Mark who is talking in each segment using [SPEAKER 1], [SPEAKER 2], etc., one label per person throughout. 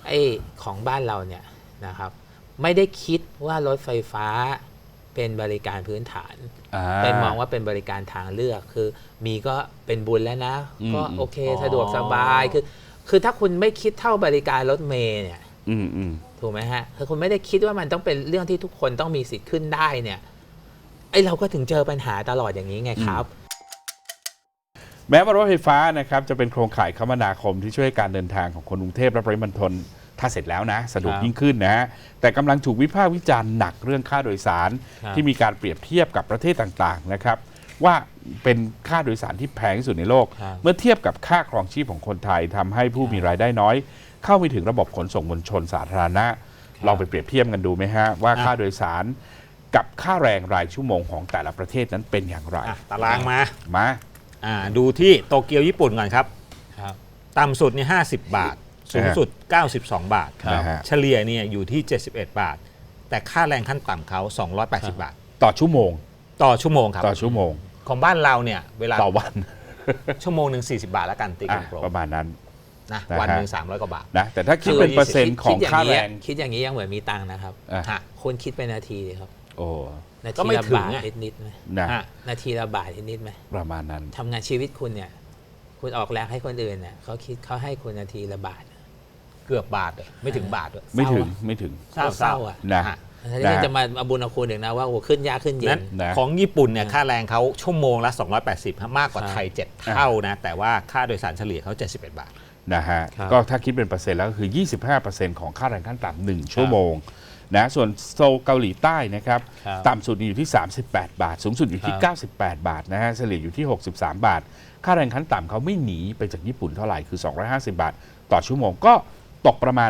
[SPEAKER 1] ไอ้ของบ้านเราเนี่ยนะครับไม่ได้คิดว่ารถไฟฟ้าเป็นบริการพื้นฐานไปมองว่าเป็นบริการทางเลือกคือมีก็เป็นบุญแล้วนะก็โอเคสะดวกสบายคือถ้าคุณไม่คิดเท่าบริการรถเมล์เนี่ยถูกไหมฮะคือคุณไม่ได้คิดว่ามันต้องเป็นเรื่องที่ทุกคนต้องมีสิทธิ์ขึ้นได้เนี่ยไอ้เราก็ถึงเจอปัญหาตลอดอย่างนี้ไงครับ
[SPEAKER 2] แม้ว่ารถไฟฟ้านะครับจะเป็นโครงข่ายคมนาคมที่ช่วยการเดินทางของคนกรุงเทพและปริมณฑลถ้าเสร็จแล้วนะสะดวกยิ่งขึ้นนะแต่กำลังถูกวิพากษ์วิจารณ์หนักเรื่องค่าโดยสารที่มีการเปรียบเทียบกับประเทศต่างๆนะครับว่าเป็นค่าโดยสารที่แพงที่สุดในโลกเมื่อเทียบกับค่าครองชีพของคนไทยทำให้ผู้มีรายได้น้อยเข้าไม่ถึงระบบขนส่งมวลชนสาธารณะลองไปเปรียบเทียบกันดูไหมฮะว่าค่าโดยสารกับค่าแรงรายชั่วโมงของแต่ละประเทศนั้นเป็นอย่างไร
[SPEAKER 3] ตารางมา
[SPEAKER 2] ดู
[SPEAKER 3] ที่โตเกียวญี่ปุ่นก่อนครับต่ำสุดนี่50 บาทสูงสุด92 บาทเฉลี่ยเนี่ยอยู่ที่71 บาทแต่ค่าแรงขั้นต่ำเขา280 บาท
[SPEAKER 2] ต่อชั่วโมง
[SPEAKER 3] ครับ
[SPEAKER 2] ต่อชั่วโมง
[SPEAKER 3] ของบ้านเราเนี่ยเวลา
[SPEAKER 2] ต่อวัน
[SPEAKER 3] ชั่วโมงหนึ่ง40 บาทแล้วกันตีกลม
[SPEAKER 2] ประมาณนั้น
[SPEAKER 3] นะวันหนึ่ง300 กว่าบาท
[SPEAKER 2] นะแต่ถ้าคิดเป็นเปอร์เซ็นต์ของค่าแรง
[SPEAKER 1] คิดอย่างนี้ยังเหมือนมีตังค์นะครับคุณคิดเป็นนาทีครับ
[SPEAKER 2] โอ้
[SPEAKER 1] นาทีละบาทนิดๆไหมนาทีละบาทนิดๆไหม
[SPEAKER 2] ประมาณนั้น
[SPEAKER 1] ทำงานชีวิตคุณเนี่ยคุณออกแรงให้คนอื่นเนี่ยเขาให้คุณนาทีละบาท
[SPEAKER 3] เกือบบาทไม่ถึงบาทด้วย
[SPEAKER 2] ไม่ถึง
[SPEAKER 1] เศร้าอ่ะนะที่จะมาบุญเอาคุณอีกนะว่าโอ้ขึ้นยากขึ้นเย็น
[SPEAKER 3] ของญี่ปุ่นเนี่ยค่าแรงเขาชั่วโมงละ280มากกว่าไทย7เท่านะแต่ว่าค่าโดยสารเฉลี่ยเขา71 บาท
[SPEAKER 2] นะฮะก็ถ้าคิดเป็นเปอร์เซ็นต์แล้วก็คือ 25% ของค่าแรงขั้นต่ำ1ชั่วโมงนะส่วนโซลเกาหลีใต้นะครับต่ำสุดอยู่ที่38 บาทสูงสุดอยู่ที่98 บาทนะฮะเฉลี่ยอยู่ที่63 บาทค่าแรงขั้นต่ำเขาไม่หนีไปจากญี่ปุ่นเท่าไหร่คือ250 บาทต่อชั่วโมงก็ตกประมาณ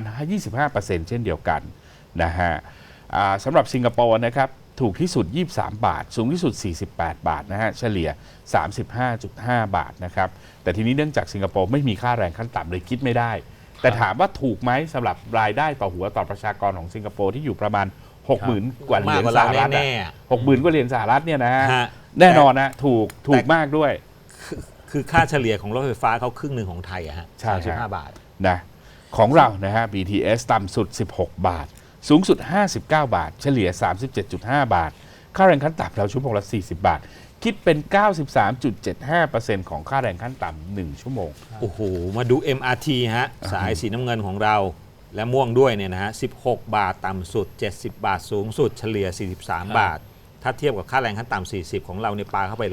[SPEAKER 2] 25% เช่นเดียวกันนะฮะสำหรับสิงคโปร์นะครับถูกที่สุด23 บาทสูงที่สุด48 บาทนะฮะเฉลี่ย 35.5 บาทนะครับแต่ทีนี้เนื่องจากสิงคโปร์ไม่มีค่าแรงขั้นต่ำเลยคิดไม่ได้แต่ถามว่าถูกไหมสำหรับรายได้ต่อหัวต่อประชากรของสิงคโปร์ที่อยู่ประมาณ 60,000 กว่าเหรียญสหรัฐ60,000 กว่าเหรียญสหรัฐเนี่ยนะแน่นอนนะถูกมากด้วย
[SPEAKER 3] คือค่าเฉลี่ยของรถไฟฟ้าเขาครึ่งหนึ่งของไทยอะฮะ35 บาท
[SPEAKER 2] นะของเรานะฮะ BTS ต่ำสุด16 บาทสูงสุด59 บาทเฉลี่ย 37.5 บาทค่าแรงขั้นต่ำเราชั่วโมงละ40 บาทคิดเป็น 93.75% ของค่าแรงขั้นต่ำ1ชั่วโมง
[SPEAKER 3] โอ้โหมาดู MRT ฮะสายสีน้ำเงินของเราและม่วงด้วยเนี่ยนะฮะ16 บาทต่ำสุด70 บาทสูงสุดเฉลี่ย43 บาทถ้าเทียบกับค่าแรงขั้นต่ำ40ของเราเนี่ยปาเข้าไป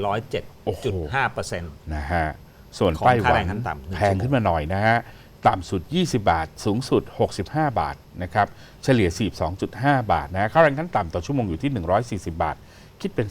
[SPEAKER 3] 107.5%
[SPEAKER 2] นะฮะส่วนไต้หวันแพงขึ้นมาหน่อยนะฮะต่ำสุด20 บาทสูงสุด65 บาทนะครับเฉลี่ย 42.5 บาทนะค่าแรงขั้นต่ำต่อชั่วโมงอยู่ที่140 บาทคิดเป็น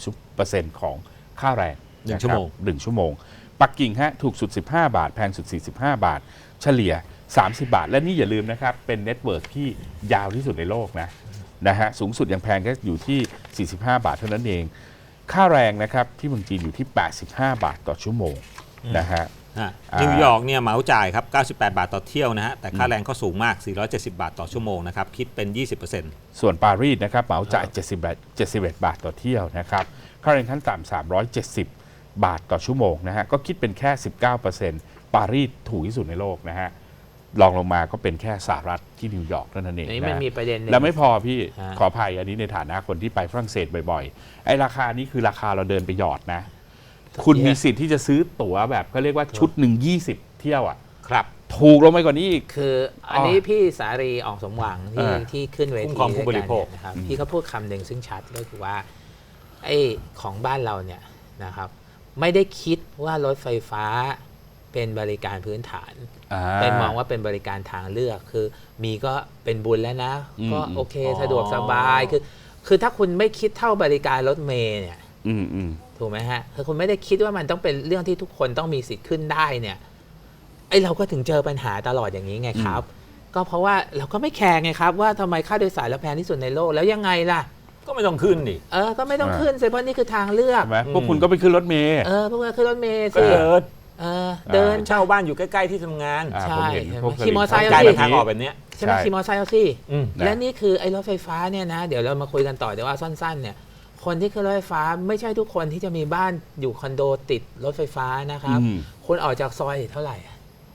[SPEAKER 2] 30% ของค่าแรง
[SPEAKER 3] 1 ชั่วโมง
[SPEAKER 2] ปักกิ่งฮะถูกสุด15 บาทแพงสุด45 บาทเฉลี่ย30 บาทและนี่อย่าลืมนะครับเป็นเน็ตเวิร์กที่ยาวที่สุดในโลกนะฮะสูงสุดยังแพงก็อยู่ที่45 บาทเท่านั้นเองค่าแรงนะครับที่เมืองจีนอยู่ที่85 บาทต่อชั่วโมงนะฮะ
[SPEAKER 3] นิวยอร์กเนี่ยเหมาจ่ายครับ98 บาทต่อเที่ยวนะฮะแต่ค่าแรงก็สูงมาก470 บาทต่อชั่วโมงนะครับคิดเป็น 20%
[SPEAKER 2] ส่วนปารีสนะครับเหมาจ่าย71 บาทต่อเที่ยวนะครับค่าแรงขั้นต่ำ370 บาทต่อชั่วโมงนะฮะก็คิดเป็นแค่ 19% ปารีสถูกที่สุดในโลกนะฮะรองลงมาก็เป็นแค่สหรัฐที่นิวยอร์กเท่านั้นเอง
[SPEAKER 1] นี่มันมีประเด็น
[SPEAKER 2] แล้วไม่พอพี่ขออภัยอันนี้ในฐานะคนที่ไปฝรั่งเศสบ่อยๆไอ้ราคานี้คือราคาเราเดินไปหยอดนะคุณมีสิทธิ์ที่จะซื้อตั๋วแบบเขาเรียกว่าชุดหนึ่ง20 เที่ยวอ่ะ
[SPEAKER 3] ครับ
[SPEAKER 2] ถูกลงไปกว่านี้อีก
[SPEAKER 1] คืออันนี้พี่สารีออกสมหวังที่ขึ้นเวที
[SPEAKER 3] ผู้บริโภค
[SPEAKER 1] นะครับพี่เขาพูดคำหนึ่งซึ่งชัดก็คือว่าไอ้ของบ้านเราเนี่ยนะครับไม่ได้คิดว่ารถไฟฟ้าเป็นบริการพื้นฐานไปมองว่าเป็นบริการทางเลือกคือมีก็เป็นบุญแล้วนะก็โอเคสะดวกสบายคือถ้าคุณไม่คิดเท่าบริการรถเมล์เนี่ยถูกไหมฮะคือคุณไม่ได้คิดว่ามันต้องเป็นเรื่องที่ทุกคนต้องมีสิทธิ์ขึ้นได้เนี่ยไอ้เราก็ถึงเจอปัญหาตลอดอย่างนี้ไงครับก็เพราะว่าเราก็ไม่แคร์ไงครับว่าทำไมค่าโดยสารเราแพงที่สุดในโลกแล้วยังไงล่ะ
[SPEAKER 3] ก็ไม่ต้องขึ้นดิ
[SPEAKER 1] ก็ไม่ต้องขึ้นเพราะนี่คือทางเลือก
[SPEAKER 2] พวกคุณก็ไปขึ้นรถเมล์
[SPEAKER 1] พวกคุณขึ้นรถเมล์
[SPEAKER 3] สิเดิน
[SPEAKER 1] เช่
[SPEAKER 3] าบ้านอยู่ใกล้ๆที่ทำงาน
[SPEAKER 1] ใช่ขี่มอเตอร์ไซค์
[SPEAKER 3] เอาสิทางออกแบบนี้
[SPEAKER 1] ใช่ไหมขี่มอเตอร์ไซค์เอาสิและนี่คือไอ้รถไฟฟ้าเนี่ยนะเดี๋ยวเรามาคุยกันต่อเดี๋ยวว่าสั้นๆเนี่ยคนที่ขึ้นรถไฟฟ้าไม่ใช่ทุกคนที่จะมีบ้านอยู่คอนโดติดรถไฟฟ้านะครับคุณออกจากซอยเท่าไหร่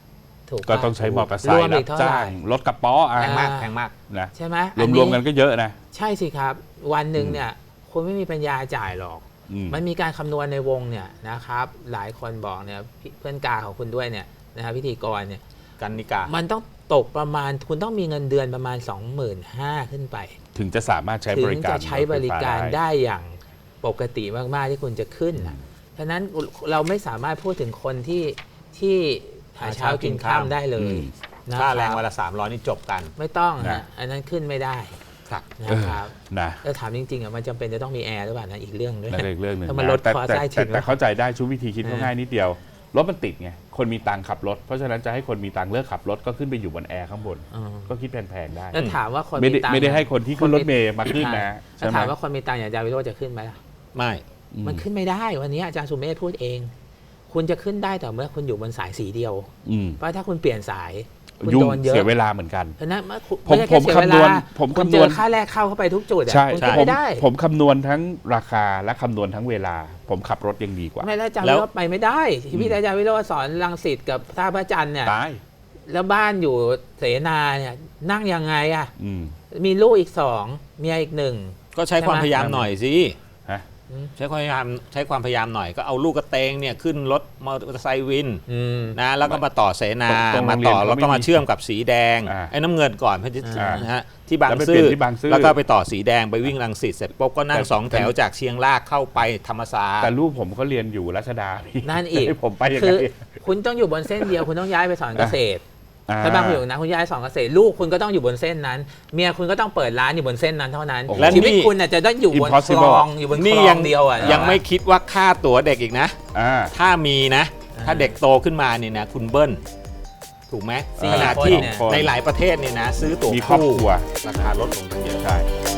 [SPEAKER 1] ถูก
[SPEAKER 2] ก็ต้องใช้มอเตอร์ไซ
[SPEAKER 1] รว
[SPEAKER 2] ค์
[SPEAKER 1] ม
[SPEAKER 2] รั
[SPEAKER 1] อี
[SPEAKER 2] บ
[SPEAKER 1] กเท่า
[SPEAKER 2] จ้า
[SPEAKER 1] ไหร่
[SPEAKER 2] งรถกระป๋อ
[SPEAKER 3] แพงมากแพงมาก
[SPEAKER 2] นะ
[SPEAKER 1] ใช่ไหม
[SPEAKER 2] รวมๆกันก็เยอะนะ
[SPEAKER 1] ใช่สิครับ วันหนึ่งเนี่ยคุณไม่มีปัญญาจ่ายหรอก มันมีการคำนวณในวงเนี่ยนะครับหลายคนบอกเนี่ยเพื่อนกาของคุณด้วยเนี่ยนะครับพิธีกรเนี่ย
[SPEAKER 3] กันนิกา
[SPEAKER 1] มันต้องตกประมาณคุณต้องมีเงินเดือนประมาณ 25,000 ขึ้นไป
[SPEAKER 2] ถึงจะสามารถใช้
[SPEAKER 1] ถึ
[SPEAKER 2] บ
[SPEAKER 1] ง
[SPEAKER 2] ริการ
[SPEAKER 1] จะใช้บริการได้อย่างปกติมากๆที่คุณจะขึ้นนะฉะนั้นเราไม่สามารถพูดถึงคนที่หาเช้ากินข้ามได้เลยนะ
[SPEAKER 3] ค่า
[SPEAKER 1] ค
[SPEAKER 3] แรง
[SPEAKER 1] บ
[SPEAKER 3] วันละ300นี่จบกัน
[SPEAKER 1] ไม่ต้องฮะอันนั้นขึ้นไม่ได้
[SPEAKER 3] ครับ
[SPEAKER 1] นะครับ
[SPEAKER 2] นะ
[SPEAKER 1] แล้วถามจริงๆอ่ะมันจำเป็นจะต้องมีแอร์หรือเปล่านะอีกเรื่องด้วย
[SPEAKER 2] นั่นอีกเรื่องหนึ่ง
[SPEAKER 1] ถ้ามันลด
[SPEAKER 2] แต่
[SPEAKER 1] คอร์ส
[SPEAKER 2] แต่
[SPEAKER 1] ได้ถึ
[SPEAKER 2] แต่
[SPEAKER 1] ง
[SPEAKER 2] แต่เข้าใจได้ชุดวิธีคิดก็ง่ายนิดเดียวรถมันติดไงคนมีตังค์ขับรถเพราะฉะนั้นจะให้คนมีตังค์เลิกขับรถก็ขึ้นไปอยู่บนแอร์ข้างบน ก็คิดแพงๆได้
[SPEAKER 1] แล้วถามว่าคน
[SPEAKER 2] ไม่ได้
[SPEAKER 1] ตังค์
[SPEAKER 2] ไม่ได้ให้คนที่ขึ้นรถเมล์มาขึ้นนะ
[SPEAKER 1] แล้
[SPEAKER 2] ใช่
[SPEAKER 1] ว
[SPEAKER 2] ไหม
[SPEAKER 1] ถามว่าคนมีตังค์อย่างอาจารย์วิโรจน์จะขึ้นไหมล่ะ
[SPEAKER 3] ไม่
[SPEAKER 1] มันขึ้นไม่ได้วันนี้อาจารย์สุเมธพูดเอง คุณจะขึ้นได้แต่เมื่อคุณอยู่บนสายสีเดียว
[SPEAKER 2] อืม
[SPEAKER 1] เพราะถ้าคุณเปลี่ยนสายคุณ
[SPEAKER 2] ยุ่ง
[SPEAKER 1] โดนเยอะ
[SPEAKER 2] เสียเวลาเหมือนกัน
[SPEAKER 1] ฉะนั้นไม่
[SPEAKER 2] ผม
[SPEAKER 1] ใช่แค่เสียเว
[SPEAKER 2] คำน
[SPEAKER 1] ลาว
[SPEAKER 2] ณผม
[SPEAKER 1] คุณ
[SPEAKER 2] คำน
[SPEAKER 1] เจ
[SPEAKER 2] ว
[SPEAKER 1] อ
[SPEAKER 2] ณ
[SPEAKER 1] ค่าแรกเข้าไปทุกจุดอะ
[SPEAKER 2] ใช่
[SPEAKER 1] คุณขึ้น
[SPEAKER 2] ผม
[SPEAKER 1] ไม่ได้
[SPEAKER 2] ผมคำนวณทั้งราคาและคำนวณทั้งเวลา ผมขับรถยังดีกว่า
[SPEAKER 1] ไม่แล้วอาจารย์วิโรจน์ไปไม่ได้ที่พี่อาจารย์วิโรจน์สอนรังสิตกับท่าพระจันทร์เนี่ย
[SPEAKER 2] ตาย
[SPEAKER 1] แล้วบ้านอยู่เสนาเนี่ยนั่งยังไงอะ
[SPEAKER 2] อืม
[SPEAKER 1] มีลูกอีก2เมียอีก1
[SPEAKER 3] ก็ใช้ความพยายามหน่อยสิ
[SPEAKER 2] ฮะ
[SPEAKER 3] ใช้ความพยายามหน่อยก็เอาลูกกระเตงเนี่ยขึ้นรถมอเตอร์ไซค์วินนะแล้วก็มาต่อเสนา
[SPEAKER 2] ตรง
[SPEAKER 3] มา
[SPEAKER 2] โรงเรีย
[SPEAKER 3] ต่
[SPEAKER 2] น
[SPEAKER 3] อ
[SPEAKER 2] เขา
[SPEAKER 3] แล้วก็
[SPEAKER 2] ไม่
[SPEAKER 3] มา
[SPEAKER 2] มี
[SPEAKER 3] เชื่อมกับสีแดง
[SPEAKER 2] อ่า
[SPEAKER 3] ไอ้น้ำเงินก่อนเพื่อจะ
[SPEAKER 2] อ่าน
[SPEAKER 3] นะฮะที่บาง
[SPEAKER 2] แล้วไป
[SPEAKER 3] ซื่
[SPEAKER 2] เปลี่
[SPEAKER 3] อย
[SPEAKER 2] นที่บางซื่อ
[SPEAKER 3] แล้วก็ไปต่อสีแดงไปวิ่งรังสิตเสร็จปุ๊บก็นั่ง
[SPEAKER 2] แต่
[SPEAKER 3] 2 แถวจากเชียงรากเข้าไปธรรมศาสต
[SPEAKER 2] แต่
[SPEAKER 3] ร์
[SPEAKER 2] ลูกผมก็เรียนอยู่รัชดา
[SPEAKER 1] นั่นอีก
[SPEAKER 2] ให้ผมไปยัง
[SPEAKER 1] คื
[SPEAKER 2] ไง
[SPEAKER 1] อคุณต้องอยู่บนเส้นเดียวคุณต้องย้ายไปสอนเกษตร
[SPEAKER 2] อ่า
[SPEAKER 1] ถ้าบางคนอยู่นะคุณย้ายสอนเกษตรลูกคุณก็ต้องอยู่บนเส้นนั้น เมียคุณก็ต้องเปิดร้านอยู่บนเส้นนั้นเท่านั้น
[SPEAKER 2] โอ้โห
[SPEAKER 1] และชีวิตคุณน่ะจะต้องอยู่บนคล
[SPEAKER 2] Impossible
[SPEAKER 1] องอยู่บนค
[SPEAKER 3] นี่
[SPEAKER 1] ล
[SPEAKER 3] ยั
[SPEAKER 1] องเดียวอ่ะ
[SPEAKER 3] ยังไม่คิดว่าค่าตั๋วเด็กอีกนะ
[SPEAKER 2] อ่า
[SPEAKER 3] ถ้ามีนะ ถ้าเด็กโตขึ้นมาเนี่ยนะคุณเบิ้ลถูกไหม
[SPEAKER 1] สี่
[SPEAKER 3] ขณะ
[SPEAKER 1] คน
[SPEAKER 3] ที่
[SPEAKER 1] เนี่ย
[SPEAKER 3] ในหลายประเทศเนี่ยนะซื้อตั๋ว
[SPEAKER 2] มีครอบ
[SPEAKER 3] คู่
[SPEAKER 2] ครัว
[SPEAKER 3] ราคาลดลงทั้งเยอะ
[SPEAKER 2] ใช่